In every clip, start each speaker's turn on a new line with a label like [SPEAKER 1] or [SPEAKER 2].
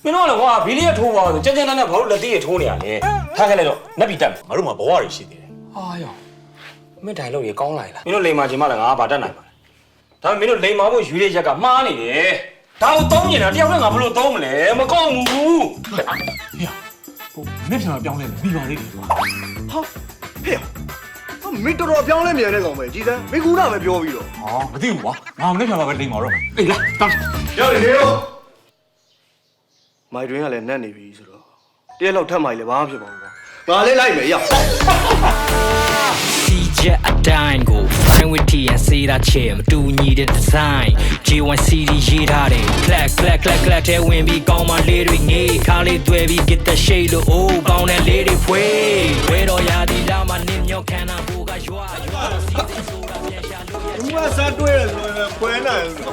[SPEAKER 1] မင်းတို့ကလည်းကွာဘီလီရထိုးပါဆိုကြမ်းကြမ်းနဲ့ဘာလို့လက်သေးရထိုးနေရလဲထားခဲ့လိုက်တော့နက်ပြီတက်မယ်
[SPEAKER 2] ငါတို့မှာဘဝတွေရှိသေးတယ်
[SPEAKER 1] ဟာရောမင်းတိုင်လို့ရကောင်းလိုက်လားမင်းတို့လိန်မာချင်မှလည်းငါဘာတက်နိုင်ပါလဲဒါပေမဲ့မင်းတို့လိန်မာဖို့ယူရရက်ကမှားနေတယ်ဒါကိုသုံးနေတာတယောက်နဲ့ငါဘယ်လိုသုံးမလဲမကောင်းဘူး
[SPEAKER 2] ဟေးဟိုမင်းပြန်လာပြောင်းလဲပြီးပါလေကွာ
[SPEAKER 3] ဟာဟေ့မင်းတော်တော်ပြောင်းလဲမြန်နေကောင်ပဲကြည်စမ်းမင်းကူတာပဲပြောပြီးတော့
[SPEAKER 2] ဟာမသိဘူးကွာငါမနေ့ပြန်လာပဲလိမ့်ပါတော့အေးလာတောင်း
[SPEAKER 3] ရောက်နေရောမိုက်တွင်ကလည်းနတ်နေပြီဆိုတော့တရက်လောက်ထပ်မှလည်းဘာမှဖြစ်ပါဘူးကွာငါလည်းလိုက်မယ်ရောက်
[SPEAKER 4] CJ အတိုင်းကို fine with T and say that chair မတူညီတဲ့ design J1 CD ရေးထားတယ် clack clack clack clack တဲ့ဝင်ပြီးကောင်းမလေးတွေငေးခါလေးတွေ့ပြီး get the shade လို့ oh ကောင်းတဲ့လေးတွေဖွေးဝဲတော်ရာဒီလာမနင်းမြောက်ခန္ဓာကိုကရွာစီစဉ်ဆိုတာပြန်ရှာလို့ရ
[SPEAKER 3] ဘူးကစားတွေ့ရဆိုရင်ခွဲနိုင်ဆို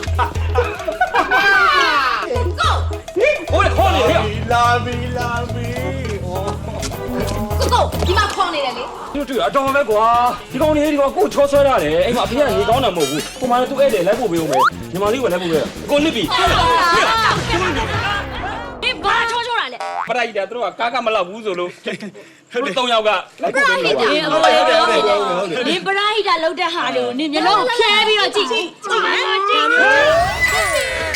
[SPEAKER 1] ဟိုလေခေါ်နေဟဲ့
[SPEAKER 3] လာပြီ
[SPEAKER 5] ကိုဒီမှာခေါင်းနေတယ်လေ
[SPEAKER 1] တို့တွေ့အတော်ပဲကွာဒီကောင်လေးဒီကောင်ကိုချောဆွဲရတယ်အိမ်မှာအဖေကရေကောင်းတာမဟုတ်ဘူးကိုမလည်းသူ့ဧည့်တယ်လိုက်ဖို့ပေးဦးမယ်ညီမလေးကလည်းပို့ပေးကိုနစ်ပြီ
[SPEAKER 5] ဒီဘာချောချောတာလဲ
[SPEAKER 1] ပရိုက်တာတို့ကကားကမလောက်ဘူးဆိုလို့တို့၃ယောက်ကလိုက်ဖို့ပေးလို့ပါ
[SPEAKER 5] ဒီပရာဟိတာလောက်တဲ့ဟာတွေကိုနင်မျက်လုံးဖြဲပြီးတော့ကြည့်